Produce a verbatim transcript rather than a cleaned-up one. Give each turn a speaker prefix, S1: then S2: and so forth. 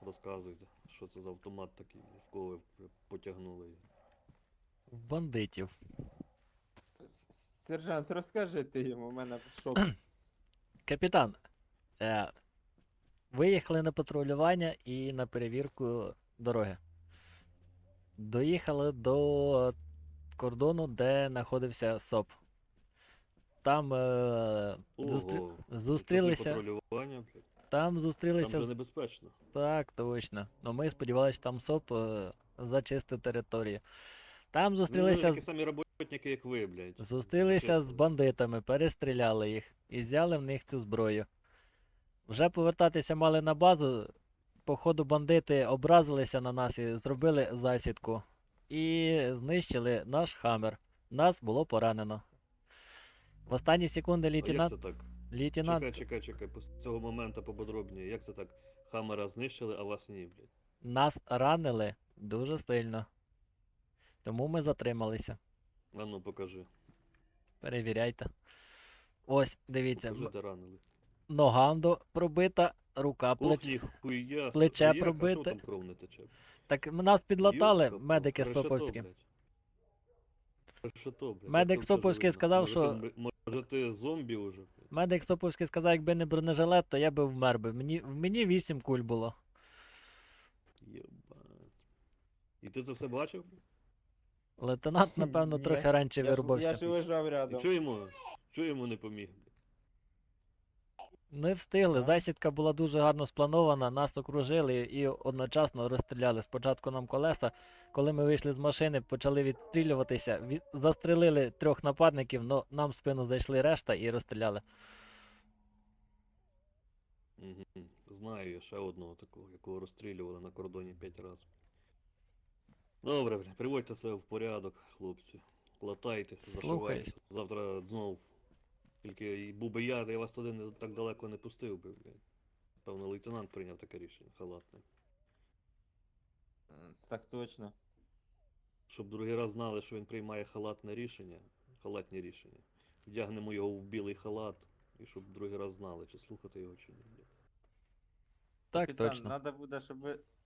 S1: розказуйте, що це за автомат такий, в кого ви потягнули його.
S2: В бандитів.
S3: Сержант, розкажи ти йому, у мене шок.
S2: Капітан, е, виїхали на патрулювання і на перевірку дороги. Доїхали до кордону, де знаходився СОП. Там е, зустр...
S1: Ого,
S2: зустрілися.
S1: патрулювання, блядь.
S2: Там
S1: Там
S2: зустрілися.
S1: вже
S2: з-
S1: небезпечно.
S2: Так, точно. Ну ми сподівалися, що там СОП е, зачистить територію. Там
S1: Ну,
S2: зустрілися,
S1: такі
S2: з-
S1: самі роботники, як ви, блядь.
S2: зустрілися з
S1: Чесно.
S2: бандитами, перестріляли їх і взяли в них цю зброю. Вже повертатися мали на базу. Походу бандити образилися на нас і зробили засідку. І знищили наш хаммер. Нас було поранено. В останні секунди
S1: А як
S2: лейтенант.
S1: це так?
S2: Лейтенант
S1: Чекай, чекай, чекай, з цього моменту пободробніше. Як це так? Хаммера знищили, а вас ні, блядь.
S2: нас ранили дуже сильно. Тому ми затрималися.
S1: А ну покажи.
S2: Перевіряйте. Ось, дивіться,
S1: Покажи,
S2: м-
S1: де ранили.
S2: нога до пробита, рука
S1: Ох,
S2: плеч.
S1: ніхуя.
S2: плече
S1: А як? А
S2: пробите.
S1: чого там кров не тече?
S2: Так м- нас підлатали
S1: Йопта,
S2: медики
S1: решето,
S2: Соповські.
S1: блядь. Решето, блядь.
S2: Медик
S1: Як то все
S2: Соповський
S1: живе?
S2: сказав,
S1: Може,
S2: що-
S1: ти, м- може ти зомбі уже? блядь?
S2: Медик Соповський сказав, якби не бронежилет, то я би вмер би. Мені, в мені вісім куль було.
S1: Єбать. І ти це все бачив?
S2: Лейтенант, напевно,
S3: Ні,
S2: трохи раніше
S3: Я ж, я
S2: вирубався.
S3: ж лежав
S1: І
S3: рядом.
S1: чого йому, чого йому не поміг? блядь?
S2: Не встигли,
S3: Ага.
S2: засідка була дуже гарно спланована, нас окружили і одночасно розстріляли. Спочатку нам колеса, коли ми вийшли з машини, почали відстрілюватися, від... застрелили трьох нападників, але нам в спину зайшли решта і розстріляли.
S1: Мгм. Знаю я ще одного такого, якого розстрілювали на кордоні п'ять разів. Добре, бля, приводьте це в порядок, хлопці. Латайтеся, зашивайтеся. Завтра знов. Тільки і був би я, я вас туди не так далеко не пустив би, блядь. Певно, лейтенант прийняв таке рішення, халатне.
S3: М, Так точно.
S1: Щоб другий раз знали, що він приймає халатне рішення, халатні рішення. Вдягнемо його в білий халат, і щоб другий раз знали, чи слухати його, чи ні. блядь.
S2: Так
S3: Капітан,
S2: точно.
S3: треба буде, щоб ви